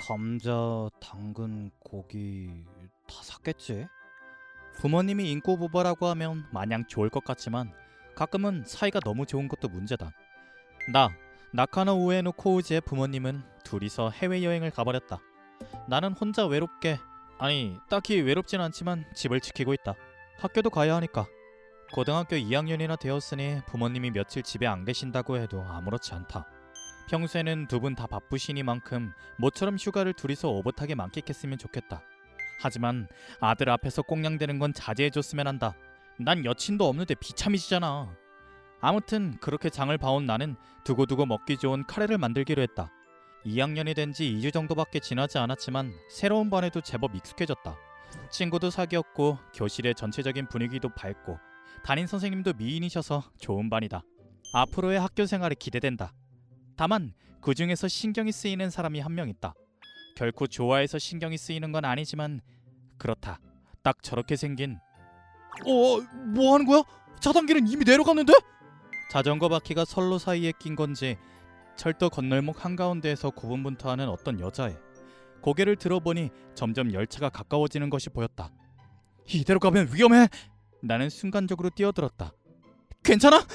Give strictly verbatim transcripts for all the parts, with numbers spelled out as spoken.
감자, 당근, 고기 다 샀겠지? 부모님이 인꼬부바라고 하면 마냥 좋을 것 같지만 가끔은 사이가 너무 좋은 것도 문제다. 나, 나카노 우에노 코우지의 부모님은 둘이서 해외여행을 가버렸다. 나는 혼자 외롭게, 아니 딱히 외롭진 않지만 집을 지키고 있다. 학교도 가야 하니까. 고등학교 이 학년이나 되었으니 부모님이 며칠 집에 안 계신다고 해도 아무렇지 않다. 평소에는 두 분 다 바쁘시니만큼 모처럼 휴가를 둘이서 오붓하게 만끽했으면 좋겠다. 하지만 아들 앞에서 꽁냥대는 건 자제해줬으면 한다. 난 여친도 없는데 비참이지잖아. 아무튼 그렇게 장을 봐온 나는 두고두고 먹기 좋은 카레를 만들기로 했다. 이 학년이 된 지 이 주 정도밖에 지나지 않았지만 새로운 반에도 제법 익숙해졌다. 친구도 사귀었고 교실의 전체적인 분위기도 밝고 담임 선생님도 미인이셔서 좋은 반이다. 앞으로의 학교 생활이 기대된다. 다만 그 중에서 신경이 쓰이는 사람이 한 명 있다. 결코 좋아해서 신경이 쓰이는 건 아니지만 그렇다. 딱 저렇게 생긴. 어, 뭐 하는 거야? 차단기는 이미 내려갔는데? 자전거 바퀴가 선로 사이에 낀 건지 철도 건널목 한가운데에서 고분분투하는 어떤 여자애. 고개를 들어보니 점점 열차가 가까워지는 것이 보였다. 이대로 가면 위험해. 나는 순간적으로 뛰어들었다. 괜찮아?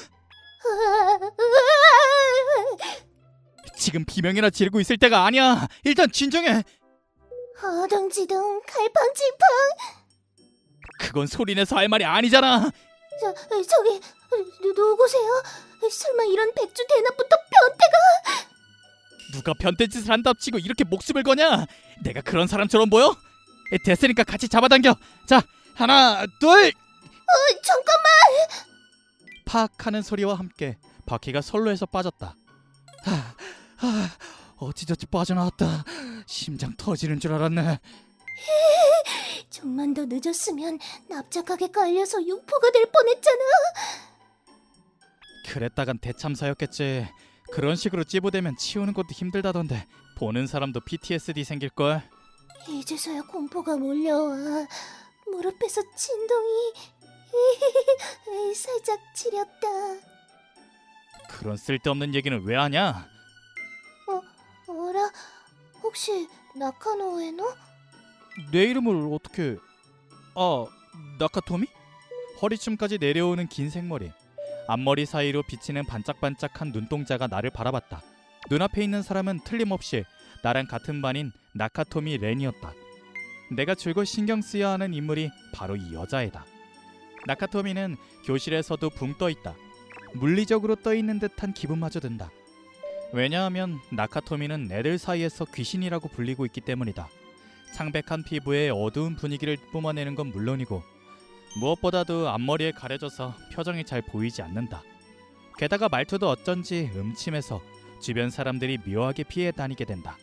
지금 비명이나 지르고 있을 때가 아니야. 일단 진정해. 어둥지둥 갈팡질팡. 그건 소리내서 할 말이 아니잖아. 저, 저기 누, 누구세요? 설마 이런 백주 대낮부터 변태가? 누가 변태짓을 한답치고 이렇게 목숨을 거냐? 내가 그런 사람처럼 보여? 됐으니까 같이 잡아당겨. 자, 하나, 둘. 어, 잠깐만. 팍 하는 소리와 함께 바퀴가 선로에서 빠졌다. 하, 하, 어찌저찌 빠져나왔다. 심장 터지는 줄 알았네. 좀만 더 늦었으면 납작하게 깔려서 육포가 될 뻔했잖아. 그랬다간 대참사였겠지. 그런 식으로 찌부되면 치우는 것도 힘들다던데 보는 사람도 피티에스디 생길걸. 이제서야 공포가 몰려와. 무릎에서 진동이 살짝 지렸다. 그런 쓸데없는 얘기는 왜 하냐? 어, 어라? 혹시 나카노 우에노? 내 이름을 어떻게... 아, 나카토미? 허리춤까지 내려오는 긴 생머리. 앞머리 사이로 비치는 반짝반짝한 눈동자가 나를 바라봤다. 눈앞에 있는 사람은 틀림없이 나랑 같은 반인 나카토미 렌이었다. 내가 줄곧 신경 쓰여야 하는 인물이 바로 이 여자애다. 나카토미는 교실에서도 붕 떠있다. 물리적으로 떠있는 듯한 기분마저 든다. 왜냐하면 나카토미는 애들 사이에서 귀신이라고 불리고 있기 때문이다. 창백한 피부에 어두운 분위기를 뿜어내는 건 물론이고 무엇보다도 앞머리에 가려져서 표정이 잘 보이지 않는다. 게다가 말투도 어쩐지 음침해서 주변 사람들이 묘하게 피해 다니게 된다.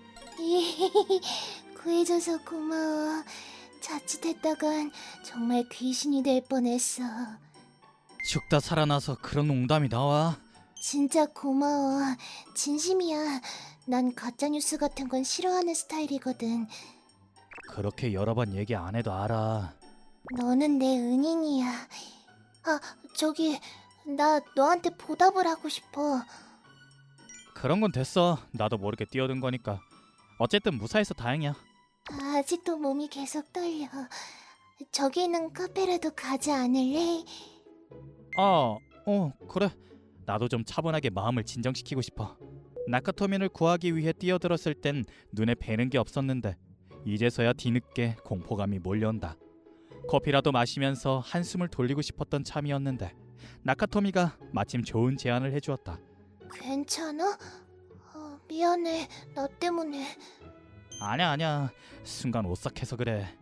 구해줘서 고마워. 자칫했다간 정말 귀신이 될 뻔했어. 죽다 살아나서 그런 농담이 나와? 진짜 고마워. 진심이야. 난 가짜뉴스 같은 건 싫어하는 스타일이거든. 그렇게 여러 번 얘기 안 해도 알아. 너는 내 은인이야. 아, 저기 나 너한테 보답을 하고 싶어. 그런 건 됐어. 나도 모르게 뛰어든 거니까. 어쨌든 무사해서 다행이야. 아직도 몸이 계속 떨려. 저기 있는 카페라도 가지 않을래? 아, 어, 그래. 나도 좀 차분하게 마음을 진정시키고 싶어. 나카토미를 구하기 위해 뛰어들었을 땐 눈에 뵈는 게 없었는데 이제서야 뒤늦게 공포감이 몰려온다. 커피라도 마시면서 한숨을 돌리고 싶었던 참이었는데 나카토미가 마침 좋은 제안을 해주었다. 괜찮아? 어, 미안해. 나 때문에. 아냐 아냐. 순간 오싹해서 그래.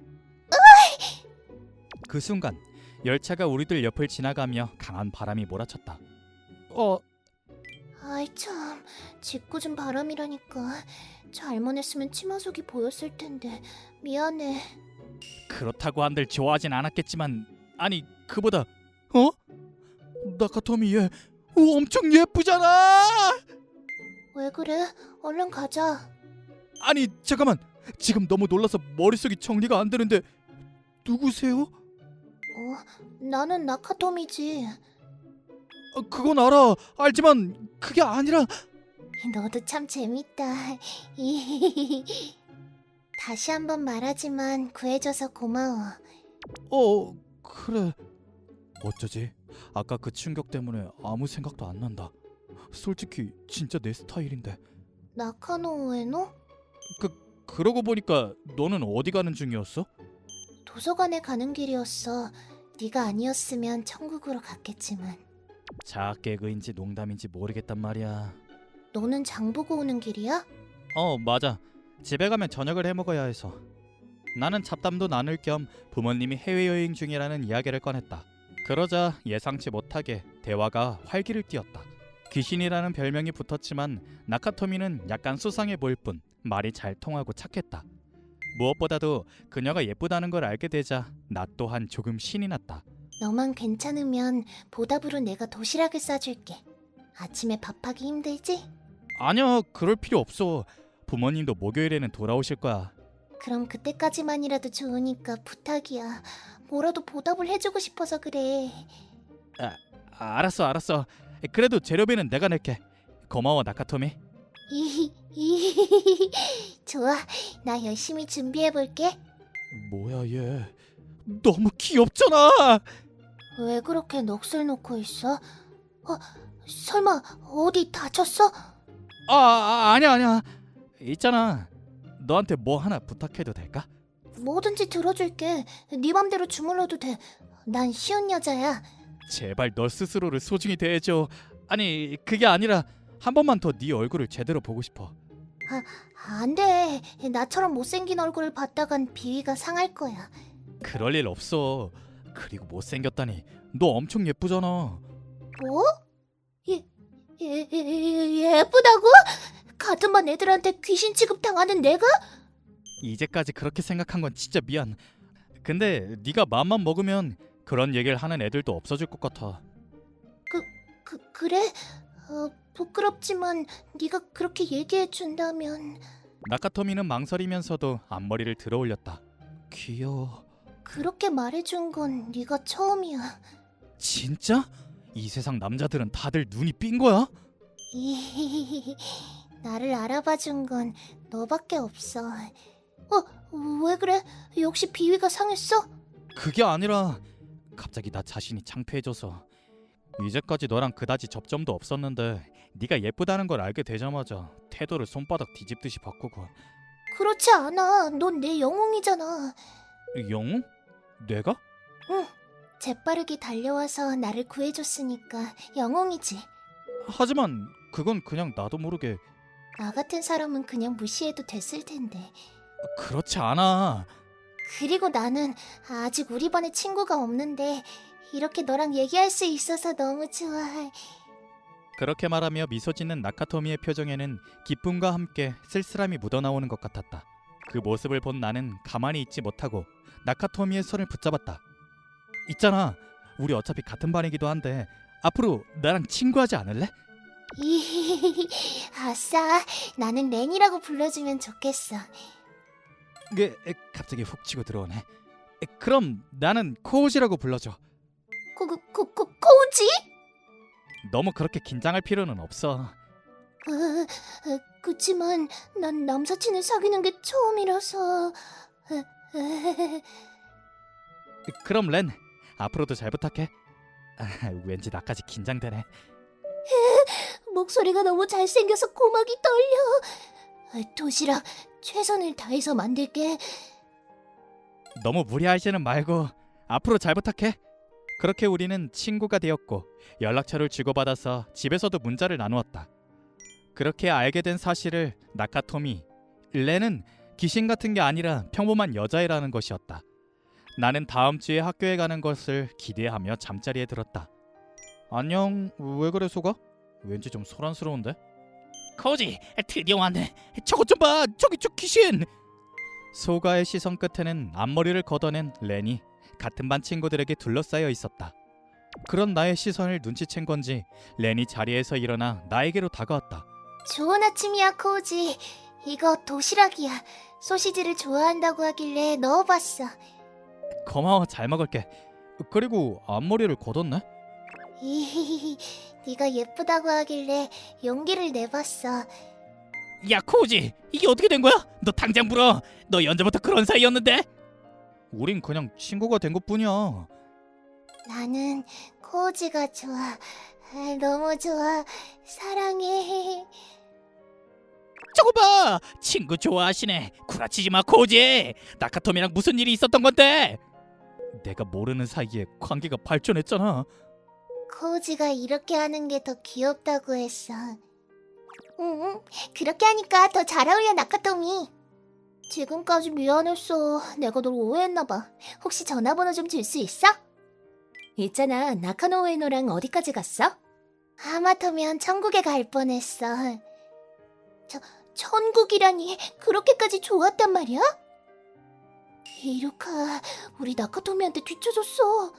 그 순간 열차가 우리들 옆을 지나가며 강한 바람이 몰아쳤다. 어... 아이 참, 짓궂은 바람이라니까. 잘못 했으면 치마속이 보였을 텐데. 미안해. 그렇다고 한들 좋아하진 않았겠지만 아니 그보다 어? 나카토미 얘 오, 엄청 예쁘잖아. 왜 그래? 얼른 가자. 아니 잠깐만. 지금 너무 놀라서 머릿속이 정리가 안 되는데 누구세요? 어, 나는 나카토미지. 아, 그건 알아. 알지만 그게 아니라... 너도 참 재밌다. 다시 한번 말하지만 구해줘서 고마워. 어, 그래. 어쩌지? 아까 그 충격 때문에 아무 생각도 안 난다. 솔직히 진짜 내 스타일인데. 나카노 우에노? 그 그러고 보니까 너는 어디 가는 중이었어? 도서관에 가는 길이었어. 네가 아니었으면 천국으로 갔겠지만. 자개그인지 농담인지 모르겠단 말이야. 너는 장 보고 오는 길이야? 어, 맞아. 집에 가면 저녁을 해 먹어야 해서. 나는 잡담도 나눌 겸 부모님이 해외여행 중이라는 이야기를 꺼냈다. 그러자 예상치 못하게 대화가 활기를 띠었다. 귀신이라는 별명이 붙었지만 나카토미는 약간 수상해 보일 뿐 말이 잘 통하고 착했다. 무엇보다도 그녀가 예쁘다는 걸 알게 되자 나 또한 조금 신이 났다. 너만 괜찮으면 보답으로 내가 도시락을 싸줄게. 아침에 밥하기 힘들지? 아니야, 그럴 필요 없어. 부모님도 목요일에는 돌아오실 거야. 그럼 그때까지만이라도 좋으니까 부탁이야. 뭐라도 보답을 해주고 싶어서 그래. 아, 알았어 알았어. 그래도 재료비는 내가 낼게. 고마워 나카토미. 이히히히 좋아, 나 열심히 준비해볼게. 뭐야 얘, 너무 귀엽잖아. 왜 그렇게 넋을 놓고 있어? 어, 설마 어디 다쳤어? 아, 아 아니야 아니야. 있잖아, 너한테 뭐 하나 부탁해도 될까? 뭐든지 들어줄게. 네 맘대로 주물러도 돼. 난 쉬운 여자야. 제발 너 스스로를 소중히 대해줘. 아니 그게 아니라 한 번만 더 네 얼굴을 제대로 보고 싶어. 안 돼. 나처럼 못생긴 얼굴을 봤다간 비위가 상할 거야. 그럴 일 없어. 그리고 못생겼다니 너 엄청 예쁘잖아. 뭐? 예, 예, 예, 예쁘다고? 같은 반 애들한테 귀신 취급당하는 내가? 이제까지 그렇게 생각한 건 진짜 미안. 근데 네가 마음만 먹으면 그런 얘기를 하는 애들도 없어질 것 같아. 그, 그래? 어, 부끄럽지만 네가 그렇게 얘기해 준다면. 나카토미는 망설이면서도 앞머리를 들어 올렸다. 귀여워. 그렇게 말해준 건 네가 처음이야. 진짜? 이 세상 남자들은 다들 눈이 삔 거야? 이 나를 알아봐준 건 너밖에 없어. 어, 왜 그래? 역시 비위가 상했어? 그게 아니라 갑자기 나 자신이 창피해져서. 이제까지 너랑 그다지 접점도 없었는데 네가 예쁘다는 걸 알게 되자마자 태도를 손바닥 뒤집듯이 바꾸고. 그렇지 않아. 넌 내 영웅이잖아. 영웅? 내가? 응. 재빠르게 달려와서 나를 구해줬으니까 영웅이지. 하지만 그건 그냥 나도 모르게. 나 같은 사람은 그냥 무시해도 됐을 텐데. 그렇지 않아. 그리고 나는 아직 우리 반에 친구가 없는데 이렇게 너랑 얘기할 수 있어서 너무 좋아. 그렇게 말하며 미소 짓는 나카토미의 표정에는 기쁨과 함께 쓸쓸함이 묻어나오는 것 같았다. 그 모습을 본 나는 가만히 있지 못하고 나카토미의 손을 붙잡았다. 있잖아, 우리 어차피 같은 반이기도 한데 앞으로 나랑 친구하지 않을래? 이 아싸, 나는 렌이라고 불러주면 좋겠어. 그, 에, 갑자기 훅 치고 들어오네. 에, 그럼 나는 코우지라고 불러줘. 코, 코, 코, 코, 코우지? 너무 그렇게 긴장할 필요는 없어. 어, 어, 그치만 난 남사친을 사귀는 게 처음이라서. 어, 어, 그럼 렌, 앞으로도 잘 부탁해. 아, 왠지 나까지 긴장되네. 목소리가 너무 잘생겨서 고막이 떨려. 어, 도시락 최선을 다해서 만들게. 너무 무리하지는 말고 앞으로 잘 부탁해. 그렇게 우리는 친구가 되었고 연락처를 주고받아서 집에서도 문자를 나누었다. 그렇게 알게 된 사실을 나카토미, 렌은 귀신 같은 게 아니라 평범한 여자애라는 것이었다. 나는 다음 주에 학교에 가는 것을 기대하며 잠자리에 들었다. 안녕, 왜 그래 소가? 왠지 좀 소란스러운데? 코지, 드디어 왔네. 저것 좀 봐, 저기 저 귀신. 소가의 시선 끝에는 앞머리를 걷어낸 렌이 같은 반 친구들에게 둘러싸여 있었다. 그런 나의 시선을 눈치챈 건지 렌이 자리에서 일어나 나에게로 다가왔다. 좋은 아침이야, 코우지. 이거 도시락이야. 소시지를 좋아한다고 하길래 넣어봤어. 고마워, 잘 먹을게. 그리고 앞머리를 걷었네? 이히히히, 네가 예쁘다고 하길래 용기를 내봤어. 야 코우지, 이게 어떻게 된 거야? 너 당장 불어. 너 언제부터 그런 사이였는데? 우린 그냥 친구가 된 것뿐이야. 나는 코우지가 좋아. 아, 너무 좋아. 사랑해. 저거 봐, 친구 좋아하시네. 구라치지 마 코우지. 나카토미랑 무슨 일이 있었던 건데? 내가 모르는 사이에 관계가 발전했잖아. 코우지가 이렇게 하는 게 더 귀엽다고 했어. 응, 그렇게 하니까 더 잘 어울려, 나카토미. 지금까지 미안했어. 내가 널 오해했나 봐. 혹시 전화번호 좀 줄 수 있어? 있잖아, 나카노 우에노랑 어디까지 갔어? 하마터면 천국에 갈 뻔했어. 저, 천국이라니 그렇게까지 좋았단 말이야? 이루카, 우리 나카토미한테 뒤쳐졌어.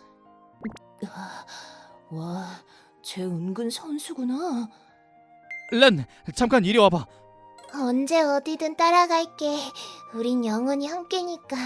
와, 쟤 은근 선수구나. 렌, 잠깐 이리 와봐. 언제 어디든 따라갈게. 우린 영원히 함께니까.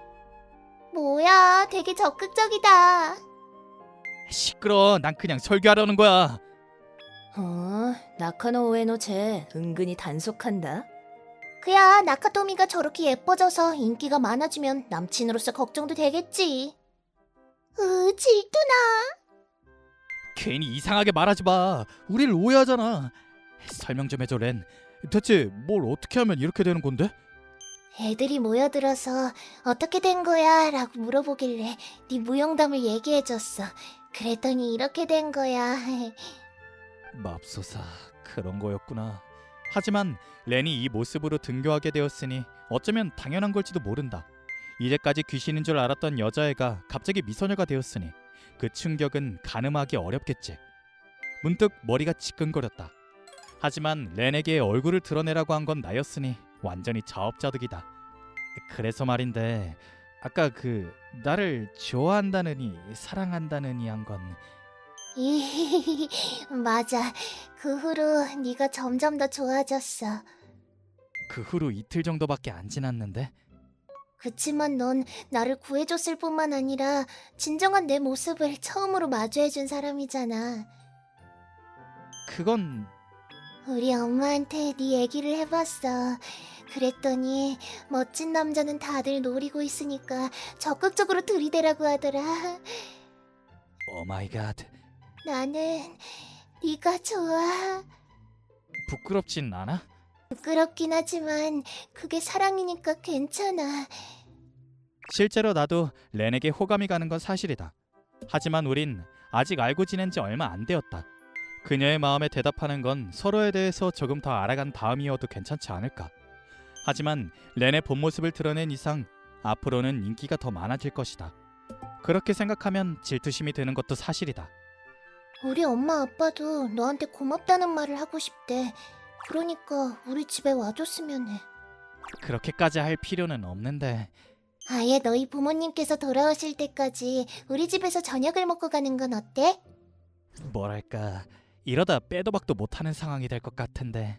뭐야, 되게 적극적이다. 시끄러. 난 그냥 설교하려는 거야. 어, 나카노 우에노 쟤 은근히 단속한다. 그야, 나카토미가 저렇게 예뻐져서 인기가 많아지면 남친으로서 걱정도 되겠지. 으, 질투나. 괜히 이상하게 말하지 마. 우릴 오해하잖아. 설명 좀 해줘 렌. 대체 뭘 어떻게 하면 이렇게 되는 건데? 애들이 모여들어서 어떻게 된 거야? 라고 물어보길래 네 무용담을 얘기해줬어. 그랬더니 이렇게 된 거야. 맙소사, 그런 거였구나. 하지만 렌이 이 모습으로 등교하게 되었으니 어쩌면 당연한 걸지도 모른다. 이제까지 귀신인 줄 알았던 여자애가 갑자기 미소녀가 되었으니 그 충격은 가늠하기 어렵겠지. 문득 머리가 지끈거렸다. 하지만 렌에게 얼굴을 드러내라고 한 건 나였으니 완전히 자업자득이다. 그래서 말인데 아까 그 나를 좋아한다느니 사랑한다느니 한 건 이 맞아. 그 후로 네가 점점 더 좋아졌어. 그 후로 이틀 정도밖에 안 지났는데. 그치만 넌 나를 구해줬을 뿐만 아니라 진정한 내 모습을 처음으로 마주해준 사람이잖아. 그건 우리 엄마한테 네 얘기를 해봤어. 그랬더니 멋진 남자는 다들 노리고 있으니까 적극적으로 들이대라고 하더라. 오마이갓. 나는 네가 좋아. 부끄럽진 않아? 부끄럽긴 하지만 그게 사랑이니까 괜찮아. 실제로 나도 렌에게 호감이 가는 건 사실이다. 하지만 우린 아직 알고 지낸 지 얼마 안 되었다. 그녀의 마음에 대답하는 건 서로에 대해서 조금 더 알아간 다음이어도 괜찮지 않을까. 하지만 렌의 본 모습을 드러낸 이상 앞으로는 인기가 더 많아질 것이다. 그렇게 생각하면 질투심이 드는 것도 사실이다. 우리 엄마 아빠도 너한테 고맙다는 말을 하고 싶대. 그러니까 우리 집에 와줬으면 해. 그렇게까지 할 필요는 없는데. 아예 너희 부모님께서 돌아오실 때까지 우리 집에서 저녁을 먹고 가는 건 어때? 뭐랄까, 이러다 빼도 박도 못하는 상황이 될 것 같은데.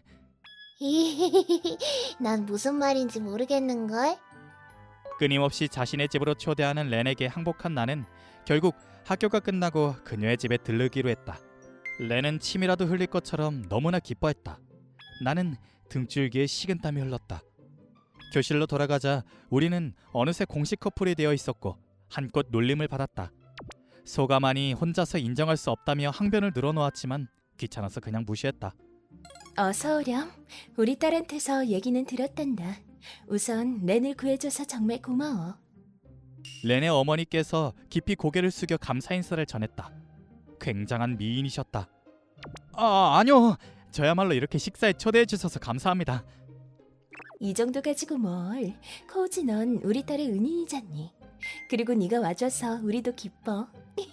난 무슨 말인지 모르겠는걸? 끊임없이 자신의 집으로 초대하는 렌에게 항복한 나는 결국 학교가 끝나고 그녀의 집에 들르기로 했다. 렌은 침이라도 흘릴 것처럼 너무나 기뻐했다. 나는 등줄기에 식은땀이 흘렀다. 교실로 돌아가자 우리는 어느새 공식 커플이 되어 있었고 한껏 놀림을 받았다. 소가만이 혼자서 인정할 수 없다며 항변을 늘어놓았지만 귀찮아서 그냥 무시했다. 어서 오렴. 우리 딸한테서 얘기는 들었단다. 우선 렌을 구해줘서 정말 고마워. 렌의 어머니께서 깊이 고개를 숙여 감사 인사를 전했다. 굉장한 미인이셨다. 아, 아니요. 저야말로 이렇게 식사에 초대해 주셔서 감사합니다. 이 정도 가지고 뭘. 코우지 넌 우리 딸의 은인이잖니. 그리고 네가 와줘서 우리도 기뻐.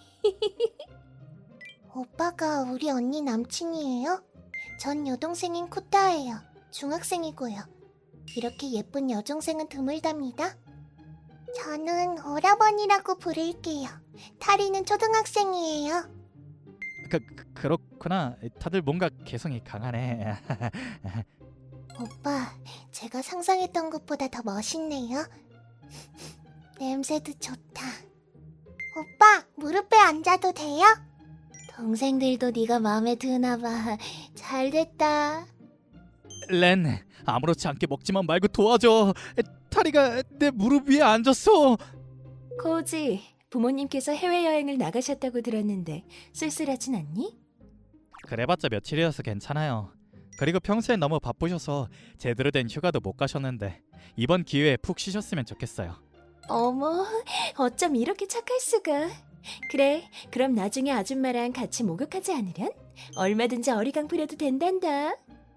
오빠가 우리 언니 남친이에요? 전 여동생인 쿠타예요. 중학생이고요. 이렇게 예쁜 여중생은 드물답니다. 저는 오라버니라고 부를게요. 타리는 초등학생이에요. 그, 그 그렇구나. 다들 뭔가 개성이 강하네. 오빠, 제가 상상했던 것보다 더 멋있네요. 냄새도 좋다. 오빠, 무릎에 앉아도 돼요? 동생들도 네가 마음에 드나 봐. 잘 됐다. 렌, 아무렇지 않게 먹지만 말고 도와줘. 타리가 내 무릎 위에 앉았어. 코우지, 부모님께서 해외여행을 나가셨다고 들었는데 쓸쓸하진 않니? 그래봤자 며칠이어서 괜찮아요. 그리고 평소엔 너무 바쁘셔서 제대로 된 휴가도 못 가셨는데 이번 기회에 푹 쉬셨으면 좋겠어요. 어머, 어쩜 이렇게 착할 수가. 그래, 그럼 나중에 아줌마랑 같이 목욕하지 않으련? 얼마든지 어리광 부려도 된단다.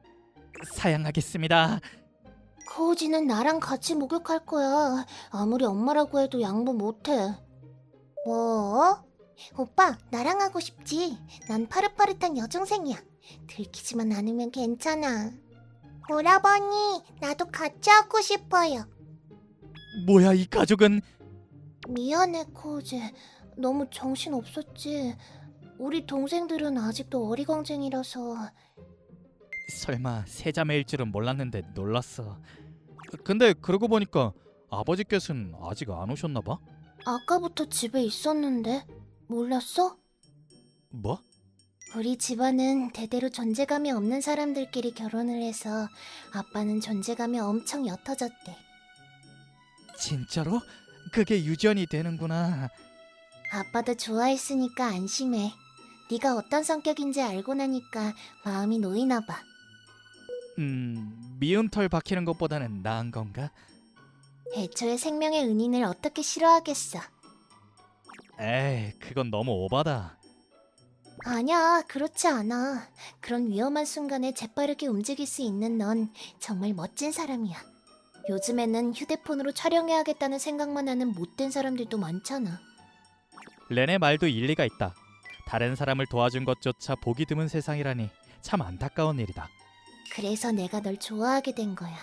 사양하겠습니다. 코우지는 나랑 같이 목욕할 거야. 아무리 엄마라고 해도 양보 못해. 뭐? 오빠, 나랑 하고 싶지? 난 파릇파릇한 여중생이야. 들키지만 않으면 괜찮아. 오라버니, 나도 같이 하고 싶어요. 뭐야 이 가족은. 미안해, 코우지. 너무 정신 없었지. 우리 동생들은 아직도 어리광쟁이라서. 설마 세자매일 줄은 몰랐는데 놀랐어. 근데 그러고 보니까 아버지께서는 아직 안 오셨나 봐? 아까부터 집에 있었는데 몰랐어? 뭐? 우리 집안은 대대로 존재감이 없는 사람들끼리 결혼을 해서 아빠는 존재감이 엄청 옅어졌대. 진짜로? 그게 유전이 되는구나. 아빠도 좋아했으니까 안심해. 네가 어떤 성격인지 알고 나니까 마음이 놓이나 봐. 음... 미운 털 박히는 것보다는 나은 건가? 애초에 생명의 은인을 어떻게 싫어하겠어. 에이, 그건 너무 오바다. 아니야, 그렇지 않아. 그런 위험한 순간에 재빠르게 움직일 수 있는 넌 정말 멋진 사람이야. 요즘에는 휴대폰으로 촬영해야겠다는 생각만 하는 못된 사람들도 많잖아. 렌의 말도 일리가 있다. 다른 사람을 도와준 것조차 보기 드문 세상이라니 참 안타까운 일이다. 그래서 내가 널 좋아하게 된 거야.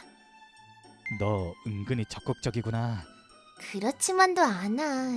너 은근히 적극적이구나. 그렇지만도 않아.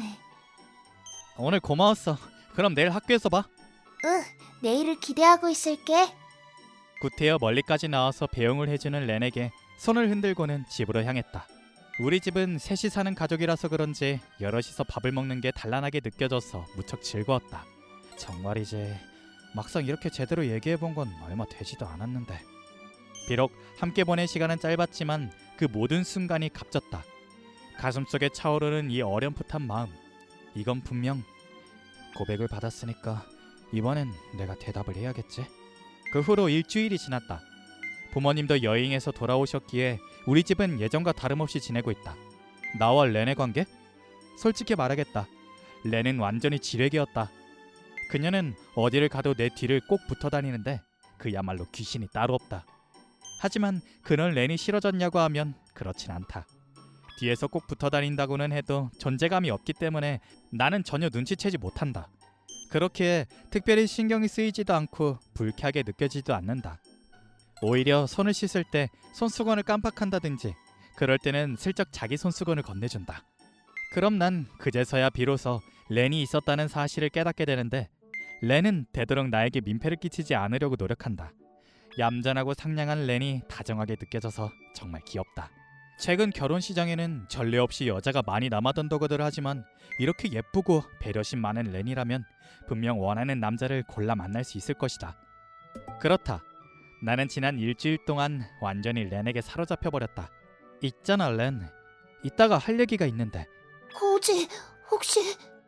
오늘 고마웠어. 그럼 내일 학교에서 봐. 응, 내일을 기대하고 있을게. 구태여 멀리까지 나와서 배웅을 해주는 렌에게 손을 흔들고는 집으로 향했다. 우리 집은 셋이 사는 가족이라서 그런지 여럿이서 밥을 먹는 게 단란하게 느껴져서 무척 즐거웠다. 정말이지 막상 이렇게 제대로 얘기해본 건 얼마 되지도 않았는데. 비록 함께 보낸 시간은 짧았지만 그 모든 순간이 값졌다. 가슴속에 차오르는 이 어렴풋한 마음. 이건 분명 고백을 받았으니까 이번엔 내가 대답을 해야겠지. 그 후로 일주일이 지났다. 부모님도 여행에서 돌아오셨기에 우리 집은 예전과 다름없이 지내고 있다. 나와 렌의 관계? 솔직히 말하겠다. 렌은 완전히 지뢰개였다. 그녀는 어디를 가도 내 뒤를 꼭 붙어 다니는데 그야말로 귀신이 따로 없다. 하지만 그런 렌이 싫어졌냐고 하면 그렇진 않다. 뒤에서 꼭 붙어 다닌다고는 해도 존재감이 없기 때문에 나는 전혀 눈치채지 못한다. 그렇기에 특별히 신경이 쓰이지도 않고 불쾌하게 느껴지지도 않는다. 오히려 손을 씻을 때 손수건을 깜빡한다든지 그럴 때는 슬쩍 자기 손수건을 건네준다. 그럼 난 그제서야 비로소 렌이 있었다는 사실을 깨닫게 되는데 렌은 되도록 나에게 민폐를 끼치지 않으려고 노력한다. 얌전하고 상냥한 렌이 다정하게 느껴져서 정말 귀엽다. 최근 결혼 시장에는 전례 없이 여자가 많이 남아돈다고들 하지만 이렇게 예쁘고 배려심 많은 렌이라면 분명 원하는 남자를 골라 만날 수 있을 것이다. 그렇다. 나는 지난 일주일 동안 완전히 렌에게 사로잡혀버렸다. 있잖아 렌. 이따가 할 얘기가 있는데. 코우지, 혹시...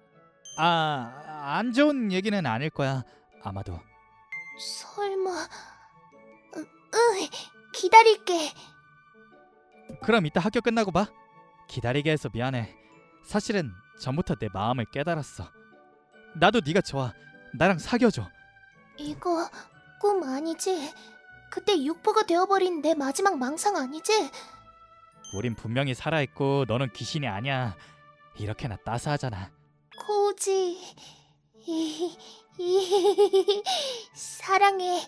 아... 안 좋은 얘기는 아닐 거야. 아마도. 설마... 으, 으, 기다릴게. 그럼 이따 학교 끝나고 봐. 기다리게 해서 미안해. 사실은 전부터 내 마음을 깨달았어. 나도 네가 좋아. 나랑 사귀어줘. 이거 꿈 아니지? 그때 육포가 되어버린 내 마지막 망상 아니지? 우린 분명히 살아있고 너는 귀신이 아니야. 이렇게나 따스하잖아. 코우지... 이... 이... 사랑해.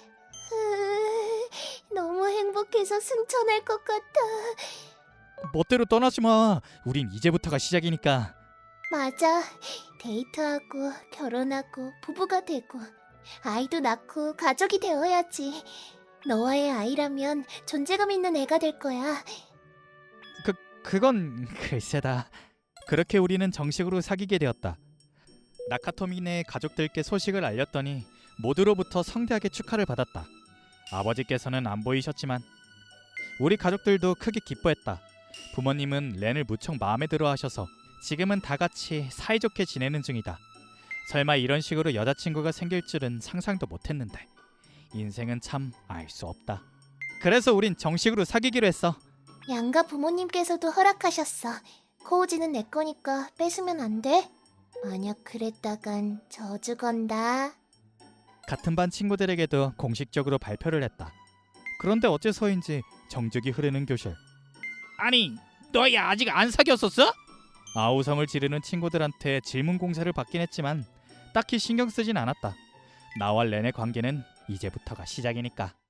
으, 너무 행복해서 승천할 것 같아. 멋대로 떠나지 마. 우린 이제부터가 시작이니까. 맞아. 데이트하고 결혼하고 부부가 되고 아이도 낳고 가족이 되어야지. 너와의 아이라면 존재감 있는 애가 될 거야. 그, 그건 글쎄다. 그렇게 우리는 정식으로 사귀게 되었다. 나카토미네 가족들께 소식을 알렸더니 모두로부터 성대하게 축하를 받았다. 아버지께서는 안 보이셨지만 우리 가족들도 크게 기뻐했다. 부모님은 렌을 무척 마음에 들어 하셔서 지금은 다 같이 사이좋게 지내는 중이다. 설마 이런 식으로 여자친구가 생길 줄은 상상도 못했는데 인생은 참 알 수 없다. 그래서 우린 정식으로 사귀기로 했어. 양가 부모님께서도 허락하셨어. 코우지는 내 거니까 뺏으면 안 돼. 만약 그랬다간 저주 건다. 같은 반 친구들에게도 공식적으로 발표를 했다. 그런데 어째서인지 정적이 흐르는 교실. 아니, 너희 아직 안 사귀었었어? 아우성을 지르는 친구들한테 질문 공세를 받긴 했지만 딱히 신경 쓰진 않았다. 나와 렌의 관계는 이제부터가 시작이니까.